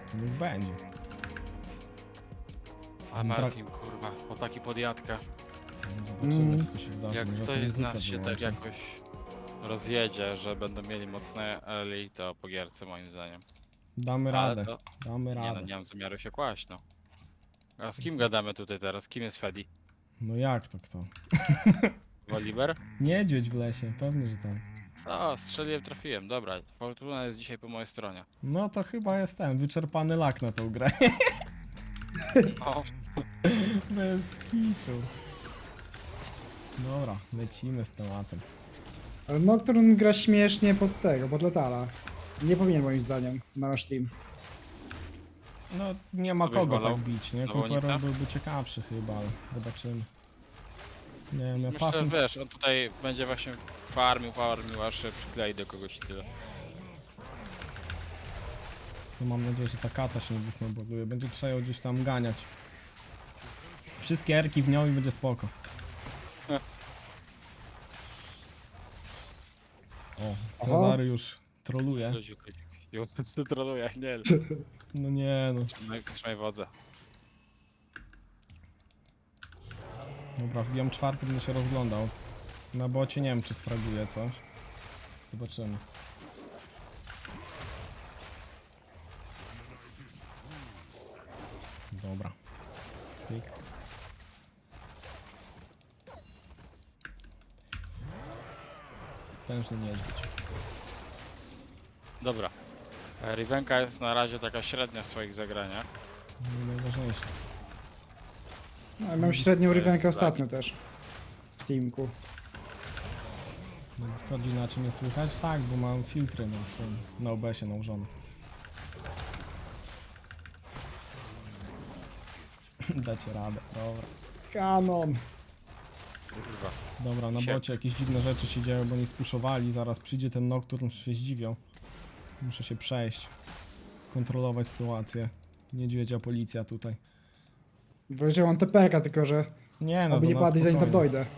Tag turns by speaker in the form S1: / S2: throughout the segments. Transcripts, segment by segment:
S1: To niech będzie.
S2: A Martin, kurwa, chłopaki podjadka.
S1: Zobaczymy, co tu się wydarzy.
S2: Jak
S1: Może
S2: ktoś
S1: sobie
S2: z nas się tak
S1: wyłączę.
S2: jakoś rozjedzie, że będą mieli mocne early, to po gierce moim zdaniem.
S1: Damy
S2: Ale
S1: radę.
S2: to...
S1: Damy
S2: Nie no,
S1: radę.
S2: nie mam zamiaru się kłaść, no. A z kim gadamy tutaj teraz? Kim jest Fedi?
S1: No jak to kto?
S2: Woliver?
S1: Niedźwiedź w lesie, pewnie, że tak.
S2: Co? Strzeliłem, trafiłem. Dobra, Fortuna jest dzisiaj po mojej stronie.
S1: No to chyba jestem wyczerpany lak na tą grę.
S2: O,
S1: Bez kitu. Dobra, lecimy z tematem.
S3: Ale Nocturne gra śmiesznie pod tego, pod Letala. Nie powinien moim zdaniem na nasz team.
S1: No nie ma
S2: Co byś
S1: kogo
S2: wolał?
S1: tak bić, nie?
S2: Nawolnica?
S1: Conqueror byłby ciekawszy chyba, ale zobaczymy. Nie wiem, ja
S2: myślę, że
S1: pasem...
S2: wiesz, on tutaj będzie właśnie farmił, aż się przyklei do kogoś i tyle.
S1: No mam nadzieję, że ta kata się nie wysnowboduje. Będzie trzeba ją gdzieś tam ganiać. Wszystkie erki w nią i będzie spoko. O, Cezary już troluje.
S2: Luzik. Już troluje, nie.
S1: No nie no.
S2: Trzymaj wodze.
S1: Dobra, wbijam czwarty, będę się rozglądał. Na bocie nie wiem, czy sfraguje coś. Zobaczymy. Dobra. Klik. Tężny niedźwiedź.
S2: Dobra. Rivenka jest na razie taka średnia w swoich zagraniach.
S1: No, najważniejsze.
S3: No, ja mam średnią rywenkę ostatnio też. W teamku.
S1: Na Discordzie inaczej mnie słychać? Tak, bo mam filtry na OBS-ie nałożone. Dacie radę, dobra.
S3: Kanon!
S2: Kurwa.
S1: Dobra, na bocie jakieś dziwne rzeczy się dzieją, bo nie spuszowali. Zaraz przyjdzie ten Nocturne, się zdziwią. Muszę się przejść. Kontrolować sytuację. Niedźwiedzia policja tutaj.
S3: Powiedziałem TPK, tylko że
S1: Nie no,
S3: oby
S1: to
S3: nie
S1: na
S3: padli zanim tam
S1: spokojnie.
S3: dojdę.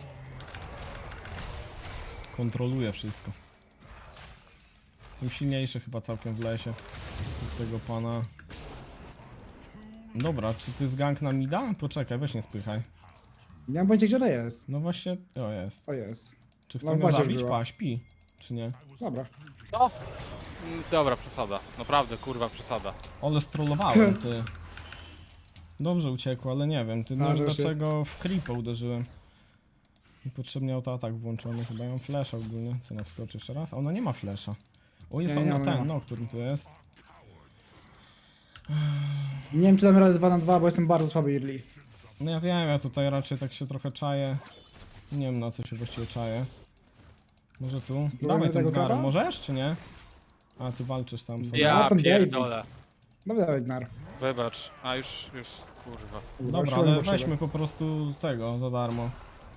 S1: Kontroluję wszystko. Jestem silniejszy chyba całkiem w lesie. Od tego pana. Dobra, czy ty z gang na mida? Poczekaj, weź nie spychaj.
S3: Nie mam pojęcia, gdzie ona jest.
S1: No właśnie, o jest.
S3: O jest.
S1: Czy
S3: No,
S1: chcę mnie
S3: właśnie już
S1: zabić?
S3: była.
S1: Pa, śpi. Czy nie?
S3: Dobra.
S2: No! Dobra, przesada. Naprawdę, kurwa, przesada.
S1: Ale strollowałem, ty. Dobrze uciekło, ale nie wiem, ty no,
S3: A, że się-
S1: dlaczego w creepa uderzyłem. Niepotrzebnie autoatak włączony, chyba ja mam flasha ogólnie. Co, na wskoczy jeszcze raz? A ona nie ma flasha. O, jest
S3: Nie,
S1: on
S3: nie
S1: na
S3: ma,
S1: ten,
S3: nie ma.
S1: Nocturne tu jest.
S3: Nie wiem, czy damy radę 2 na 2, bo jestem bardzo słaby early.
S1: No ja wiem, ja tutaj raczej tak się trochę czaję. Nie wiem na co się właściwie czaję. Może tu? Dawaj ten
S3: tego
S1: gar,
S3: kara?
S1: możesz czy nie? A ty walczysz tam sobie.
S2: Ja
S3: tam
S2: pierdolę.
S3: Dobra, dawaj Gnar.
S2: Wybacz. A już, kurwa.
S1: Dobra,
S3: Szłem
S1: ale
S3: do przodu.
S1: weźmy po prostu tego za darmo.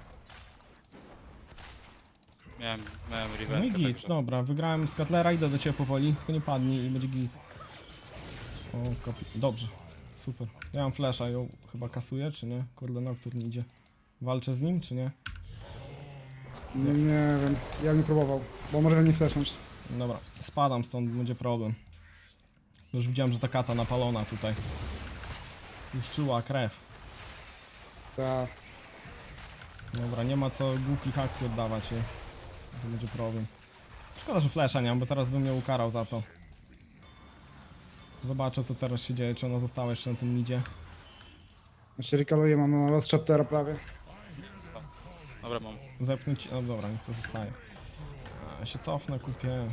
S2: Miałem
S1: No i
S2: Rivenkę,
S1: git,
S2: także...
S1: dobra, wygrałem z Katlera, idę do ciebie powoli, tylko nie padnij i będzie git. O, dobrze, super. Ja mam flasha, ją chyba kasuję, czy nie? Kurde, Nocturne idzie. Walczę z nim, czy nie?
S3: Nie wiem, ja bym nie próbował, bo może mnie flashnąć.
S1: Dobra, spadam stąd, będzie problem. Już widziałem, że ta kata napalona tutaj. Już czuła krew.
S3: Ta.
S1: Dobra, nie ma co głupich akcji oddawać. To będzie problem. Szkoda, że flasha nie mam, bo teraz bym mnie ukarał za to. Zobaczę, co teraz się dzieje, czy ona została jeszcze na tym midzie.
S3: Ja się rykaluję, mam Lost Chaptera prawie.
S2: Dobra, mam.
S1: Zepchnąć, no dobra, niech to zostaje. A, się cofnę, kupię.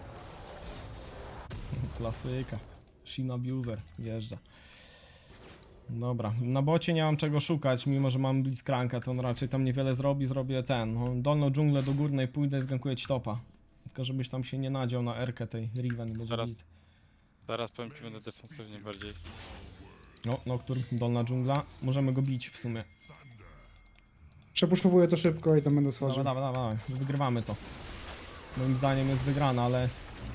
S1: Klasyka. Shin Abuser, jeżdża. Dobra, na bocie nie mam czego szukać, mimo że mam Blitzcranka, to on raczej tam niewiele zrobi, zrobię ten, no, dolną dżunglę do górnej pójdę i zgankuję ci topa. Tylko żebyś tam się nie nadział na erkę tej Riven i będzie
S2: Zaraz.
S1: git.
S2: Teraz powiem ci, będę defensywnie bardziej.
S1: No, Nocturne, dolna dżungla, możemy go bić w sumie.
S3: Przepuszkowuję to szybko i tam będę schodził.
S1: Dawaj, dawaj, dawaj, wygrywamy to. Moim zdaniem jest wygrana, ale...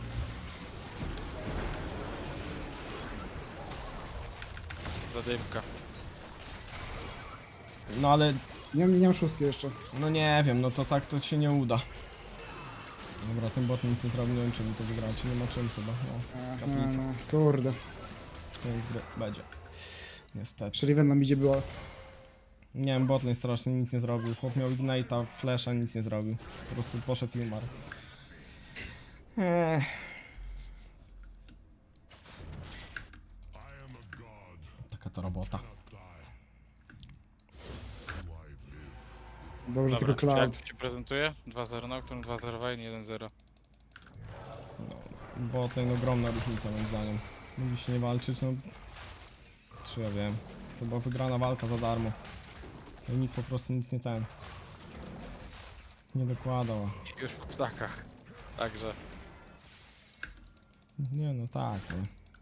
S2: Zadymka.
S1: No ale,
S3: Nie mam szóstki jeszcze.
S1: no nie wiem, no to tak to się nie uda. Dobra, ten bot nic nie zrobił, nie wiem czy mi to wygrać, nie ma czym chyba, no.
S3: Aha,
S1: Kaplica.
S3: no, kurde.
S1: Koniec gry będzie. Niestety.
S3: Czyli nam idzie było.
S1: Nie wiem, botlane strasznie nic nie zrobił. Chłop miał Ignite'a, Flasha, nic nie zrobił. Po prostu poszedł i umarł. Taka to robota.
S3: Dobrze,
S2: Dobra,
S3: tylko Cloud.
S2: jak to się prezentuje? 2-0 Nocturne, 2-0 Vayne, 1-0.
S1: Botlane ogromna różnica moim zdaniem. Mówi się nie walczyć, no... Czy ja wiem. To była wygrana walka za darmo. I nikt po prostu nic nie ten. Nie dokładał.
S2: I już po ptakach. Także
S1: Nie no tak, no.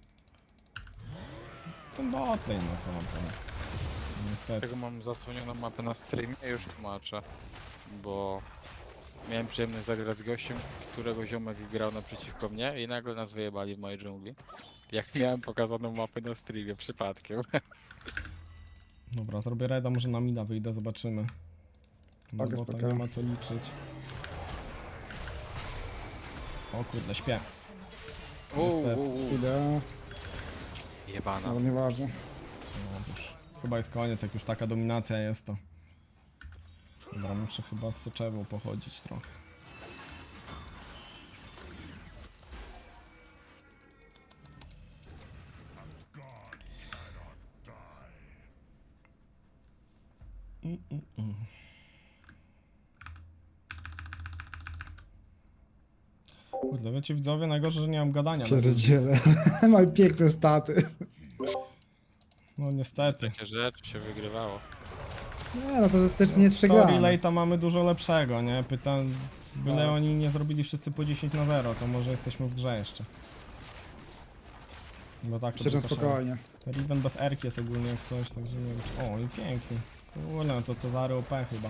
S1: Ten botlane, no co mam powiedzieć. Niestety.
S2: tego mam zasłonioną mapę na streamie i już tłumaczę. Bo miałem przyjemność zagrać z gościem, którego ziomek grał naprzeciwko mnie i nagle nas wyjebali w mojej dżungli. Jak miałem pokazaną mapę na streamie przypadkiem.
S1: Dobra, zrobię reda, może na mida wyjdę, zobaczymy. No
S3: Spoko,
S1: bo tam
S3: spoko.
S1: nie ma co liczyć. O kurde, śpię. Niestety.
S3: Idę,
S2: Jebana.
S3: ale nieważne.
S1: No już. Chyba jest koniec, jak już taka dominacja jest to. Dobra, muszę chyba z soczewą pochodzić trochę. Mm. Kurde, wiecie widzowie, najgorsze, że nie mam gadania.
S3: Pierdziele. Mam piękne staty.
S1: No niestety.
S2: Takie rzeczy się wygrywało.
S3: Nie, no to też nie jest
S1: Story
S3: przegrane.
S1: late'a mamy dużo lepszego, nie? Pytam, byle
S3: Tak.
S1: oni nie zrobili wszyscy po 10-0, to może jesteśmy w grze jeszcze. Bo tak to
S3: Myślę, że
S1: by poszło.
S3: spokojnie.
S1: Riven bez erki jest ogólnie jak coś, także nie wiem czy... O, i pięknie. Kurde, no to Cezary OP chyba.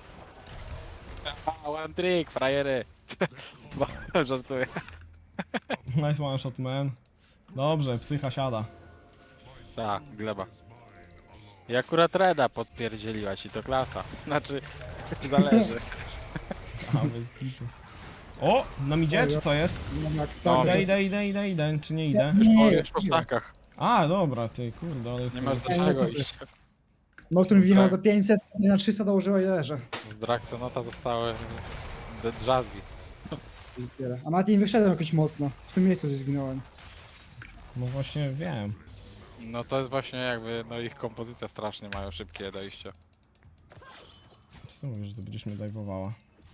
S2: One trick, frajery! Żartuję.
S1: Nice one shot, man. Dobrze, psycha siada.
S2: Tak, gleba. I akurat Reda podpierdzieliła ci, to klasa. Znaczy, zależy.
S1: A, bez kitu. O! Nam idzie, czy co jest?
S3: No jak
S2: No,
S3: tak,
S1: Idę, czy nie idę?
S2: Już po ptakach.
S1: A, dobra, ty, kurde, ale...
S2: Nie masz do
S3: Ej, no
S2: czego
S3: co ty?
S2: iść.
S3: Nocturne wjechał
S2: Tak.
S3: za 500, na 300 dołożyła i leży.
S2: Z Draxonota zostały drzazgi.
S3: A nawet nie wyszedłem jakoś mocno. W tym miejscu gdzieś zginąłem.
S1: No właśnie, wiem.
S2: No to jest właśnie jakby, no ich kompozycja strasznie mają szybkie dojście.
S1: Co ty mówisz, że ty będziesz mnie dajwowała?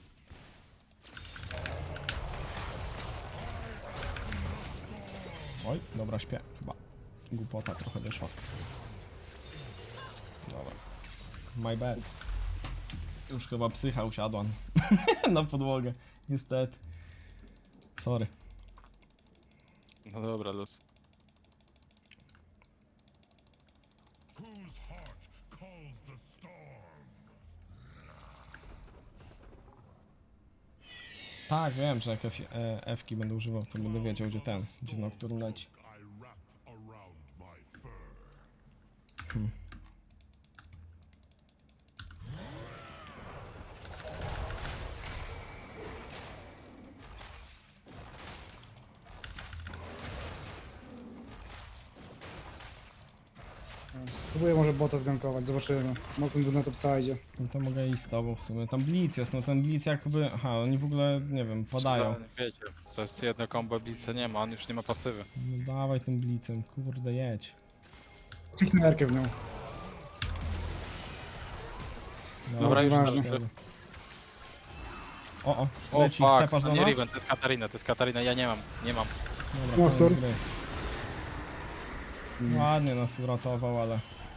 S1: Oj, dobra, śpię, chyba. Głupota trochę wyszła. Dobra. My bad. Już chyba psycha usiadła na podłogę, niestety. Sorry.
S2: No dobra, luz.
S1: Tak, wiem, że jak F-ki będę używał, to będę wiedział, gdzie ten, gdzie Nocturne leci.
S3: Spróbuję może bota zgankować, zobaczymy. Mogłem go na topside.
S1: No to mogę iść z tobą w sumie. Tam Blitz jest, no ten Blitz jakby... Aha, oni w ogóle, nie wiem, padają.
S2: Wiecie, to jest jedno combo Blitza nie ma, on już nie ma pasywy.
S1: No dawaj tym Blitzem, kurde jedź.
S3: Kliknę erkę w nią.
S2: Dobra, już
S3: ważne.
S2: zdążył.
S1: O,
S2: O
S1: leci,
S2: fuck,
S1: tepasz
S2: to
S1: do
S2: nie
S1: nas?
S2: Riven, to jest Katarina, ja nie mam.
S1: Dobra,
S3: Nocturne.
S1: koniec gry. Ładnie nas uratował, ale...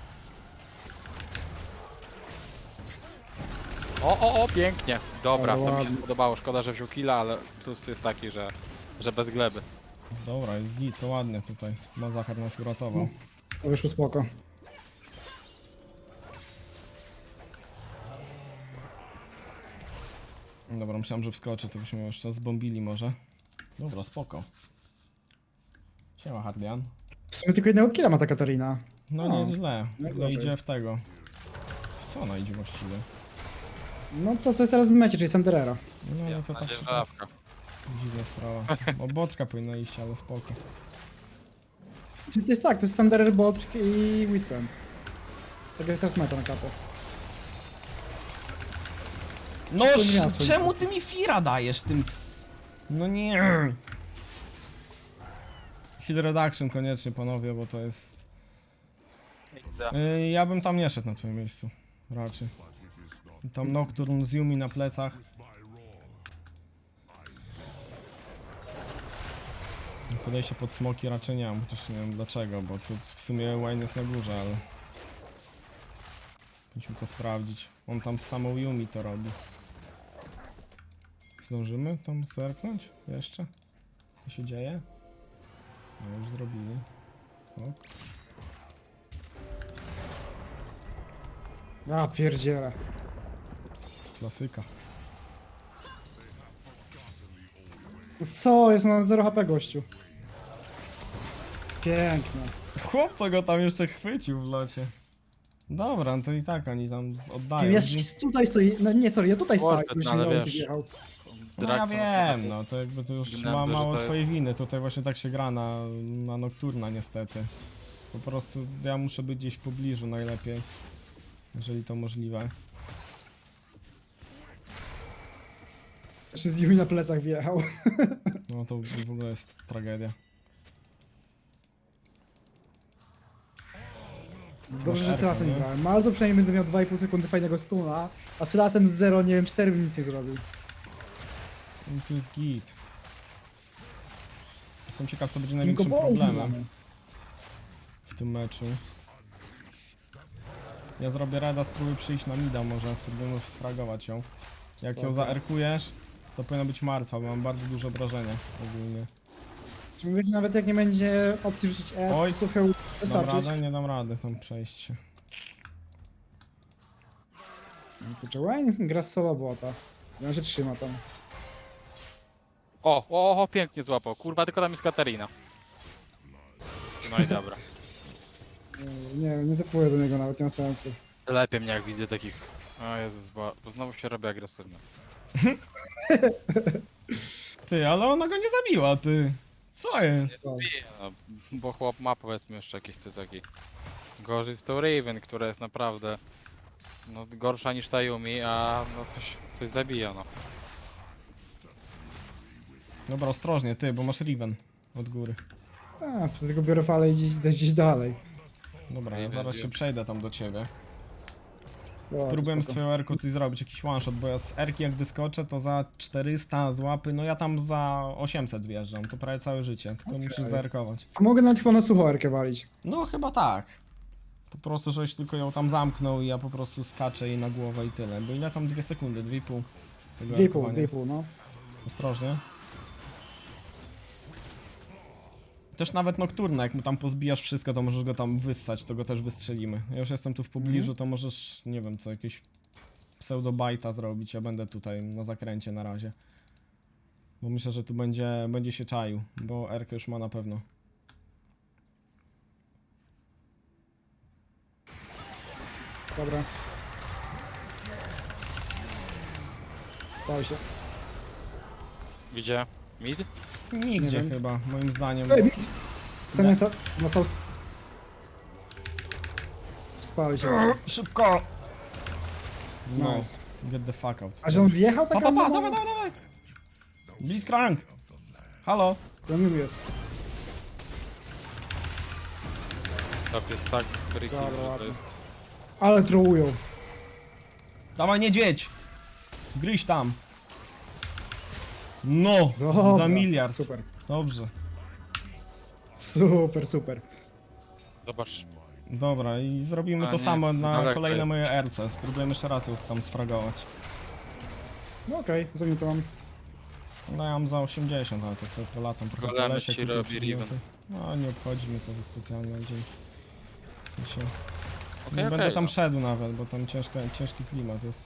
S2: O, pięknie. Dobra,
S3: Ale
S2: to mi się
S3: ładnie.
S2: spodobało, szkoda, że wziął killa, ale plus jest taki, że bez gleby.
S1: Dobra, jest git, to ładnie tutaj. Mazachar nas uratował.
S3: To wyszło spoko.
S1: Dobra, myślałem, że wskoczy, to byśmy jeszcze zbombili może. Dobra, spoko. Siema, Hardian.
S3: W sumie tylko jednego killa ma ta Katarina.
S1: No nie jest źle.
S3: jak
S1: No
S3: gorzej.
S1: idzie w tego. W co ona idzie właściwie?
S3: No to co jest teraz w mecie, czyli Sanderera.
S1: No to tak się
S2: Dzierżawka.
S1: dziwna sprawa. Bo botka powinna iść, ale spoko.
S3: Czy to jest tak, to jest Thunderer Bot i Witsend. Tak jest teraz meta na kapę.
S1: No
S3: To nie miała swoich
S1: czemu
S3: kosztów.
S1: ty mi Fira dajesz tym? No nie. Heal reduction koniecznie panowie, bo to jest... Ja bym tam nie szedł na twoim miejscu. Raczej. Tam Nocturne z Yumi na plecach. Podejście pod smoki raczej nie mam, chociaż nie wiem dlaczego, bo tu w sumie Wayne jest na górze, ale... Musimy to sprawdzić. On tam z samą Yumi to robi. Zdążymy tam zerknąć? Jeszcze? Co się dzieje? No już zrobili. Ok.
S3: A, pierdziele.
S1: Klasyka.
S3: Co? Jest na 0 HP gościu. Piękne.
S1: Chłopco go tam jeszcze chwycił w locie. Dobra, no to i tak oni tam oddają.
S3: Ja tutaj stoi, no nie, sorry, ja tutaj stałem,
S2: Kurde,
S3: już
S2: no, ale
S3: nie
S2: wiesz.
S3: jechał.
S1: No ja wiem, no to jakby to już
S2: Gnęby,
S1: ma
S2: że
S1: mało
S2: to jest-
S1: twojej winy. Tutaj właśnie tak się gra na Nocturna niestety. Po prostu ja muszę być gdzieś w pobliżu najlepiej. Jeżeli to możliwe.
S3: Jeszcze z nimi na plecach wjechał.
S1: No to w ogóle jest tragedia.
S3: Dobrze, że
S1: Erkę,
S3: z Sylasem nie
S1: nie?
S3: grałem. Malzo przynajmniej będę miał 2,5 sekundy fajnego stuna, a Sylasem z 0, nie wiem, 4 bym nic nie zrobił.
S1: I tu jest git. Jestem ciekaw co będzie
S3: Tylko
S1: największym
S3: bo
S1: problemem w tym meczu. Ja zrobię reda, spróbuję przyjść na mida, może spróbujemy sfragować ją. Jak ją
S3: Spoko.
S1: zaerkujesz, to powinna być martwa, bo mam bardzo duże obrażenia ogólnie.
S3: Czy mówię, że nawet jak nie będzie opcji rzucić
S1: Oj.
S3: suche
S1: Dam
S3: wystarczyć?
S1: radę? Nie dam rady tam przejść się.
S3: Kurczę, Wayne gra z solo bota. Ja się trzyma tam.
S2: O, pięknie złapał. Kurwa, tylko tam jest Katarina. No i dobra.
S3: Nie typuję do niego nawet, nie ma sensu.
S2: Lepiej mnie jak widzę takich... O Jezus, bo znowu się robi agresywny.
S1: Ty, ale ona go nie zabiła, ty. Co jest?
S3: Co?
S2: No, bo chłop ma powiedzmy jeszcze jakieś cycaki. Gorzej jest to Raven, która jest naprawdę... No gorsza niż ta Yumi, a no coś zabija no.
S1: Dobra, ostrożnie, ty, bo masz Riven od góry.
S3: A, tylko biorę falę i idę gdzieś dalej.
S1: Dobra, ja
S2: Riven,
S1: zaraz się
S2: wiem.
S1: przejdę tam do ciebie.
S3: Spoko,
S1: Spróbujemy z
S3: spoko.
S1: twoją erką coś zrobić, jakiś one shot, bo ja z erki jak wyskoczę to za 400 z łapy, no ja tam za 800 wjeżdżam, to prawie całe życie, tylko musisz zaerkować.
S3: A mogę nawet chyba na suchoerkę walić.
S1: No chyba tak. Po prostu, żeś tylko ją tam zamknął i ja po prostu skaczę jej na głowę i tyle. Bo ile tam 2 sekundy? 2,5. tego
S3: 2,5,
S1: erkowania jest.
S3: 2,5, no.
S1: Ostrożnie. Też nawet Nocturna, jak mu tam pozbijasz wszystko, to możesz go tam wyssać, to go też wystrzelimy. Ja już jestem tu w pobliżu, to możesz, nie wiem, co jakieś pseudobajta zrobić, ja będę tutaj na zakręcie na razie. Bo myślę, że tu będzie się czaił, bo Erkę już ma na pewno.
S3: Dobra. Spał się.
S2: Gdzie? Mid?
S1: Nigdzie
S3: Nie wiem.
S1: chyba, moim zdaniem.
S3: Ej, bit! Semesa... No są... Spał się.
S1: Szybko! No,
S3: Nice.
S1: get the fuck out.
S3: A że on wjechał tak?
S1: dawaj, dawaj! Blitzcrank! Halo?
S3: Premium jest.
S2: Top jest tak freaky,
S3: Dobra,
S2: że to
S3: ładnie.
S2: jest...
S3: Ale trołują.
S1: Dawaj, niedźwiedź! Gryź tam! No!
S3: Dobra,
S1: Za miliard.
S3: Super.
S1: Dobrze.
S3: Super, super.
S2: Zobacz.
S1: Dobra, i zrobimy
S2: A,
S1: to
S2: nie,
S1: samo
S2: jest
S1: na
S2: daleko
S1: kolejne
S2: jest.
S1: moje RC. Spróbujemy jeszcze raz ją tam sfragować.
S3: No okej, zamiutował.
S1: No ja mam za 80, ale to sobie polatam trochę po
S2: Golemy
S1: lesie,
S2: ci
S1: kupię
S2: robi
S1: przedmioty.
S2: Riven.
S1: No nie obchodzi mnie to za specjalne, dzięki. W sensie,
S2: Okej,
S1: nie będę tam
S2: no.
S1: szedł nawet, bo tam ciężki klimat jest.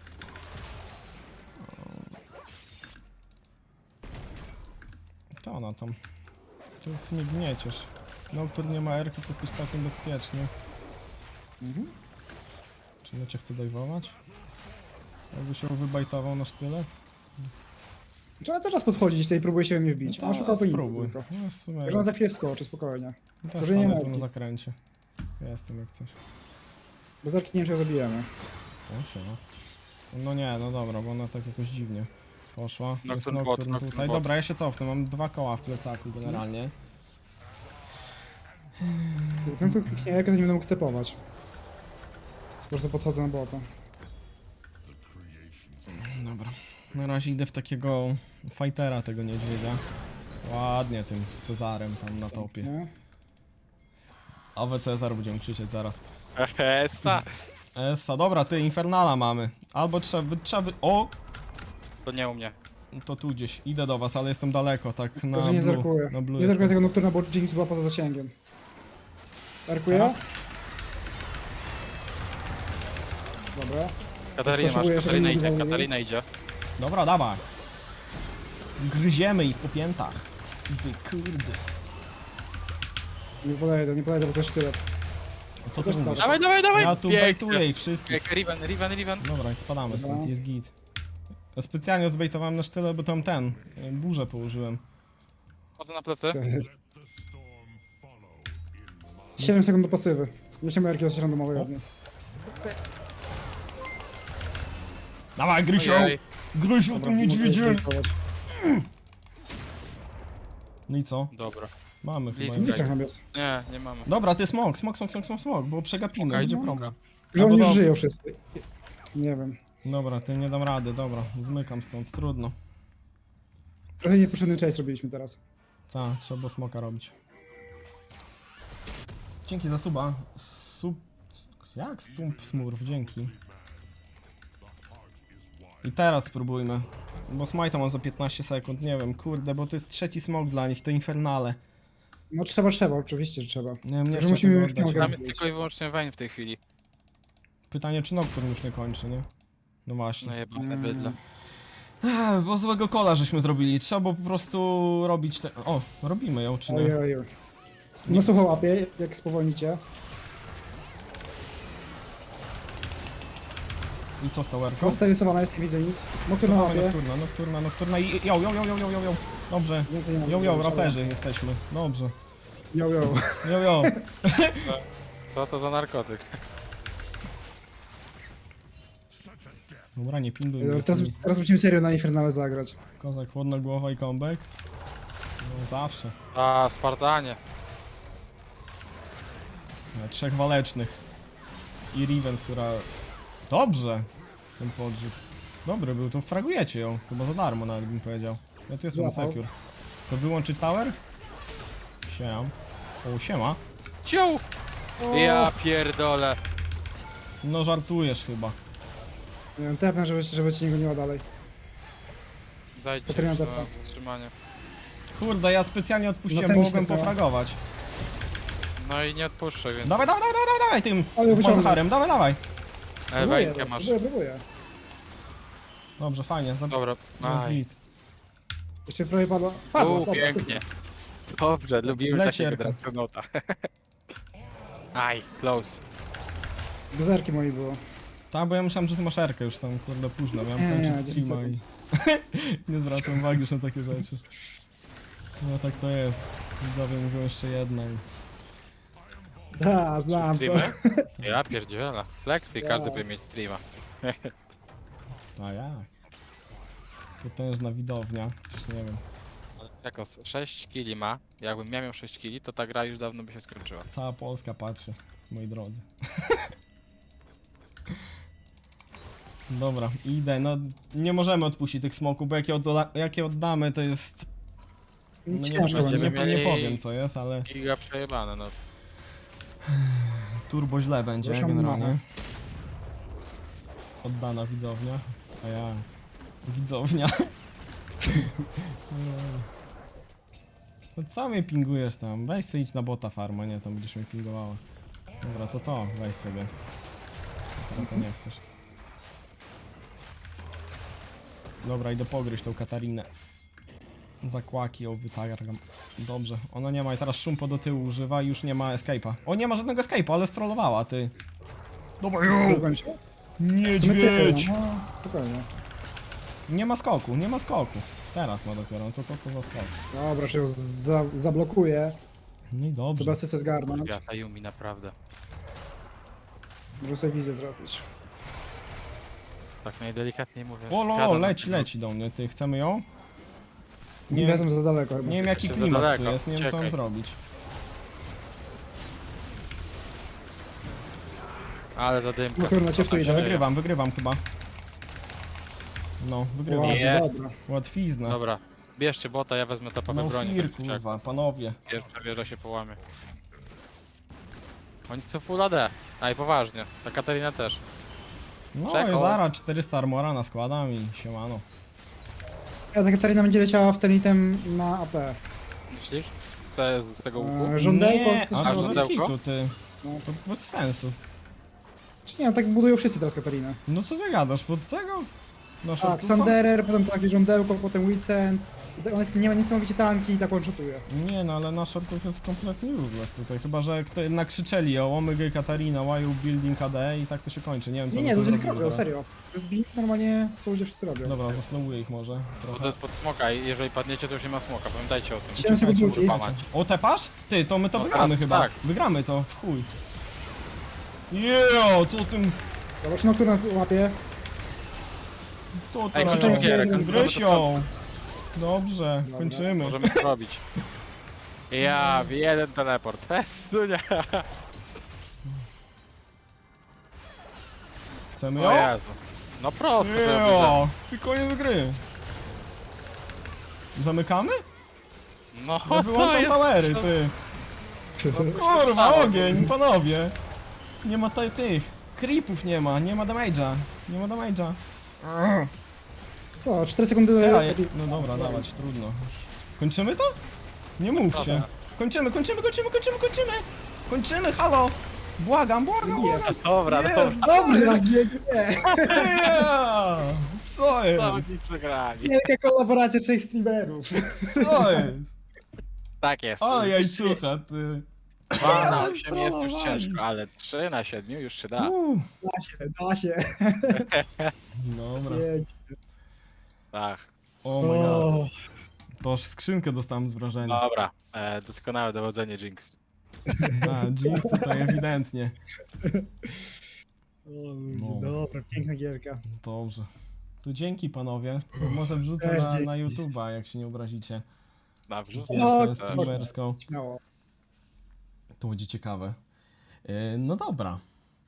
S1: To ona tam. To w sumie gnieciesz. No, który nie ma erki, to jesteś całkiem bezpieczny.
S3: Mhm.
S1: Czy ja cię chcę dajwować? Jakby się wybajtował na sztylet?
S3: Trzeba cały czas podchodzić tutaj i próbuje się we mnie wbić.
S1: No
S3: On
S1: to
S3: szukał penisa
S1: spróbuj.
S3: tylko.
S1: No, w sumie,
S3: Także on za chwilę wskoczy, spokojnie.
S1: też
S3: to, że nie
S1: stanę
S3: ma
S1: tu na
S3: opcji.
S1: zakręcie. Jestem jak coś.
S3: Bez arki nie wiem, czy ją zabijemy.
S1: O, siema. No nie, no dobra, bo ona tak jakoś dziwnie poszła. Jest
S2: Nocturne bot,
S1: Nocturne
S2: Nocturne
S1: tutaj.
S2: bot.
S1: Dobra, ja się cofnę, mam 2 koła w plecaku generalnie.
S3: Ten tu kliknie, jak ja to nie będę mógł stepować. Po prostu podchodzę na bota.
S1: Dobra. Na razie idę w takiego fightera tego niedźwiedzia. Ładnie tym Cezarem tam na topie.
S3: Nie?
S1: Awe Cezar będziemy krzyczeć zaraz.
S2: Esa!
S1: Essa, dobra, ty Infernala mamy. Albo trzeba. O!
S2: To nie u mnie.
S1: To tu gdzieś. Idę do was, ale jestem daleko, tak na
S3: Także nie
S1: blue.
S3: zerkuję.
S1: Na blue
S3: Nie zerkuję
S1: jestem.
S3: tego Nocturna, bo Jinx była poza zasięgiem. Zerkuję?
S1: Aha.
S3: Dobra.
S2: Katarina masz,
S3: Potrzebuję, żeby
S2: Katarina
S3: nie
S2: idzie,
S3: było,
S2: Katarina idzie.
S1: Dobra, dawaj. Gryziemy ich po piętach. Wy kurde.
S3: Nie podejdę, bo to jest sztylet.
S1: Co ty
S3: Też
S1: mówisz?
S3: dobra.
S2: Dawaj!
S1: Ja tu
S2: Pięknie.
S1: bejtuję ich wszystkich.
S2: Riven.
S1: Dobra, spadamy stąd,
S3: Dobra.
S1: jest git. Ja specjalnie zbejtowałem na sztyle, bo tam burzę położyłem.
S2: Chodzę na plecy.
S3: 7 sekund do pasywy. Nie się jakiegoś coś randomowego od niej.
S1: Dawaj, Grysio!
S2: Ojej.
S1: Grysio, tu
S3: Dobra,
S1: niedźwiedzie!
S3: muszę zerkować.
S1: No i co?
S2: Dobra.
S1: Mamy chyba.
S2: Blisko.
S1: już.
S3: Nic tak nam jest.
S2: Nie mamy.
S1: Dobra, ty smok, bo przegapimy,
S2: Okej,
S1: będzie
S2: no.
S1: problem.
S3: Że
S1: Albo
S3: oni już
S1: dobra.
S3: żyją wszyscy. Nie wiem.
S1: Dobra, ty nie dam rady, dobra, zmykam stąd, trudno.
S3: Trochę niepotrzebny chase robiliśmy teraz.
S1: Tak, trzeba było smoka robić. Dzięki za suba. Jak stump smurf, dzięki. I teraz spróbujmy. Bo smite'a mam za 15 sekund, nie wiem, kurde, bo to jest trzeci smok dla nich, to infernale.
S3: No trzeba, oczywiście, że trzeba.
S1: Nie wiem, nie
S3: Że
S1: chcę
S3: musimy
S1: tego
S3: ich nie
S1: oddać.
S2: Tam
S3: ogarnąć.
S2: jest tylko i wyłącznie Vayne w tej chwili.
S1: Pytanie, czy Nocturne już nie kończy, nie? No właśnie.
S2: Najebane bydle.
S1: Bo złego kola żeśmy zrobili, trzeba było po prostu robić te... O, robimy ją, czy nie?
S3: Ojej. No słuchaj łapie, jak spowolnicie.
S1: I co z towerką?
S3: Rozstarysowana jest, nie widzę nic. Nocturna łapie.
S1: Nocturna i yo. Dobrze.
S3: Więcej nie mogę
S1: Yo,
S3: zrobić,
S1: raperzy jesteśmy. Dobrze.
S3: Yo.
S1: Yo.
S2: Co to za narkotyk?
S1: Dobra, nie pinduj mnie.
S3: Dobra, teraz musimy serio na Infernale zagrać.
S1: Kozak, chłodna głowa i comeback. No zawsze.
S2: A, Spartanie.
S1: Trzech walecznych. I Riven, która... Dobrze. Ten podrzut. Dobry był, to fragujecie ją. Chyba za darmo nawet bym powiedział. Ja tu jestem
S3: Złapał.
S1: secure. Co, wyłączyć tower? Siema. O, siema.
S2: Ciu! Ja pierdolę.
S1: No żartujesz chyba.
S3: Nie wiem, tepnę, żeby ci niego nie ma dalej.
S2: Dajcie
S3: Katarina
S2: jeszcze
S3: Depta.
S2: na wstrzymanie.
S1: Kurde, ja specjalnie odpuściłem,
S3: No
S1: bo
S3: sami
S1: mogłem
S3: się tak.
S1: pofragować.
S2: No i nie odpuszczę, więc...
S1: Dawaj tym
S3: Ale wyciągnę.
S1: Mazharem, dawaj.
S2: Wayne'kę masz.
S3: Próbuję.
S1: Dobrze, fajnie,
S2: Dobra,
S1: jest
S2: aj.
S1: git.
S3: Jeszcze prawie padła. Padła, dobra,
S2: Pięknie.
S3: super.
S2: Dobrze, lubimy takiego
S1: Lecierka.
S2: Draxonota. Aj, close.
S3: Gzerki moi było.
S1: Tak, bo ja myślałem, że ty masz erkę już tam, kurde, późno, miałem
S3: Nie,
S1: kończyć
S3: 10
S1: streama i... nie zwracam uwagi już na takie rzeczy. No tak to jest. Widzowie mówią jeszcze jedna i...
S3: Da, znam to.
S2: Streamy? Ja pierdzielę. Flexy,
S3: Ja.
S2: każdy by mieć streama.
S1: A jak? Potężna widownia, chociaż nie wiem.
S2: Jako 6 kili ma, jakbym miał 6 kili, to ta gra już dawno by się skończyła.
S1: Cała Polska patrzy, moi drodzy. Dobra, idę, no nie możemy odpuścić tych smoków, bo jak je oddamy to jest... No nie,
S3: Ciężko
S1: nie,
S3: będzie.
S1: nie powiem co jest, ale
S2: Giga przejebane, no.
S1: turbo źle będzie
S3: Proszę
S1: generalnie.
S3: machę.
S1: Oddana widzownia, a ja... Widzownia. No co mnie pingujesz tam? Weź sobie idź na bota farma, nie, tam będziesz mnie pingowała. Dobra, to, weź sobie. Teraz to nie chcesz. Dobra, idę pogryźć tą Katarinę. Zakłaki ją wytargam. Dobrze, ona nie ma i teraz szumpo do tyłu używa i już nie ma escape'a. O, nie ma żadnego escape'a, ale strollowała, ty. Dobra,
S3: Próbowałem się. W sumie
S1: niedźwiedź!
S3: no, spokojnie.
S1: Nie ma skoku, nie ma skoku. Teraz ma dopiero, no to co to za skok?
S3: Dobra, że ją zablokuję.
S1: No i dobrze.
S3: Trzeba sobie zgarnąć.
S2: Ja ta Yumi naprawdę.
S3: Muszę sobie wizję zrobić.
S2: Tak najdelikatniej mówiąc.
S1: O,
S2: siada na
S1: leci,
S2: tego-
S1: leci do mnie, ty, chcemy ją?
S3: Nie
S1: Nie.
S3: jestem za daleko chyba.
S1: Nie wiem jaki
S2: Jeszcze za
S1: klimat tu
S2: daleko,
S1: jest, nie wiem co mam
S2: czekaj.
S1: zrobić.
S2: Ale zadymka.
S3: Nocturna, cię tu idzie.
S1: Wygrywam chyba. No, wygrywam.
S3: Ładnie,
S2: Jest.
S3: dobra.
S1: Łatwizna.
S2: Dobra, bierzcie bota, ja wezmę topowe
S1: No
S2: broni.
S1: fir,
S2: tak czy siak.
S1: kurwa, panowie.
S2: Pierwsza wieża się połamie. Oni są full AD. A i poważnie, ta Katarina też.
S1: No
S2: Czekał.
S1: i zaraz 400 armora naskładam i siemano.
S3: Ja ta Katarina będzie leciała w ten item na AP.
S2: Myślisz? Z tego łuku?
S3: Żądełko?
S1: Nie,
S3: coś
S1: a
S3: tam
S1: to
S3: robi?
S1: bez
S2: żądełko?
S1: kitu, ty.
S3: No.
S1: To bez sensu.
S3: Czy nie, no tak budują wszyscy teraz Katarinę.
S1: No co ty gadasz, pod tego? No,
S3: Tak,
S1: shortuffa?
S3: Sanderer, potem takie żądełko, potem Weekend. On jest, nie ma niesamowicie tanki i tak one-shotuje.
S1: Nie no, ale nasz shortów jest kompletnie useless tutaj, chyba że kto nakrzyczeli o Omega Katarina, why you building AD i tak to się kończy, nie wiem co
S3: Nie,
S1: by
S3: nie,
S1: to
S3: ludzie tak
S1: zrobili
S3: robią,
S1: teraz.
S3: serio. To jest build normalnie, co ludzie wszyscy robią.
S1: Dobra, zaslowuję ich może
S2: Bo to
S1: trochę.
S2: jest pod smoka i jeżeli padniecie to już nie ma smoka, pamiętajcie o tym.
S3: 7 sekund
S1: Czekajcie,
S3: ulti.
S2: Łamać.
S1: O, tepasz? Ty, to my to
S2: No
S1: wygramy
S2: teraz
S1: chyba.
S2: tak.
S1: Wygramy to, w chuj. Jejo, co tym...
S3: Dobra, czy Nocturna łapie?
S1: To
S2: Ej,
S3: co
S1: to
S3: to jest gierek?
S1: Gryź ją. Dobrze,
S3: Dobra.
S1: kończymy.
S2: Możemy to robić. Ja, jeden teleport. Festunia.
S1: Chcemy
S2: O
S1: ją?
S2: Jezu. No prosto to widzę.
S1: Jejo, ty koniec gry. Zamykamy?
S2: No
S1: Ja
S2: co
S1: wyłączam
S2: jest?
S1: towery, ty. Kurwa, ogień, panowie. Nie ma tutaj tych. Creepów nie ma damage'a. Nie ma damage'a.
S3: Co, 4 sekundy...
S1: No dobra, dawać, trudno. Kończymy to? Nie mówcie.
S2: Dobra.
S1: Kończymy! Kończymy, halo! Błagam.
S2: Dobra,
S1: Jest,
S2: dobra.
S3: Dobrze, GG!
S1: Yeah! Co
S2: Co
S1: jest?
S2: oni przegrali?
S3: Wielka kolaboracja 3 streamerów.
S1: Co jest?
S2: Tak jest.
S1: O, jajcucha, ty.
S2: 2 na
S1: Ale
S2: 8 jest już
S1: zdolowali.
S2: ciężko, ale 3 na 7 już się da.
S3: Da się.
S1: Dobra.
S2: Tak.
S1: Oh my god. To aż skrzynkę dostałem z wrażenia.
S2: Dobra, doskonałe dowodzenie Jinx.
S1: A, Jinx tutaj ewidentnie.
S3: O ludzie, dobra, piękna gierka.
S1: Dobrze. To dzięki panowie. Może wrzucę
S3: Też
S1: na
S3: dzięki.
S1: YouTube'a, jak się nie obrazicie.
S2: Dobrze.
S3: No,
S1: Gierkę streamerską.
S3: Śmiało.
S1: To będzie ciekawe. No dobra.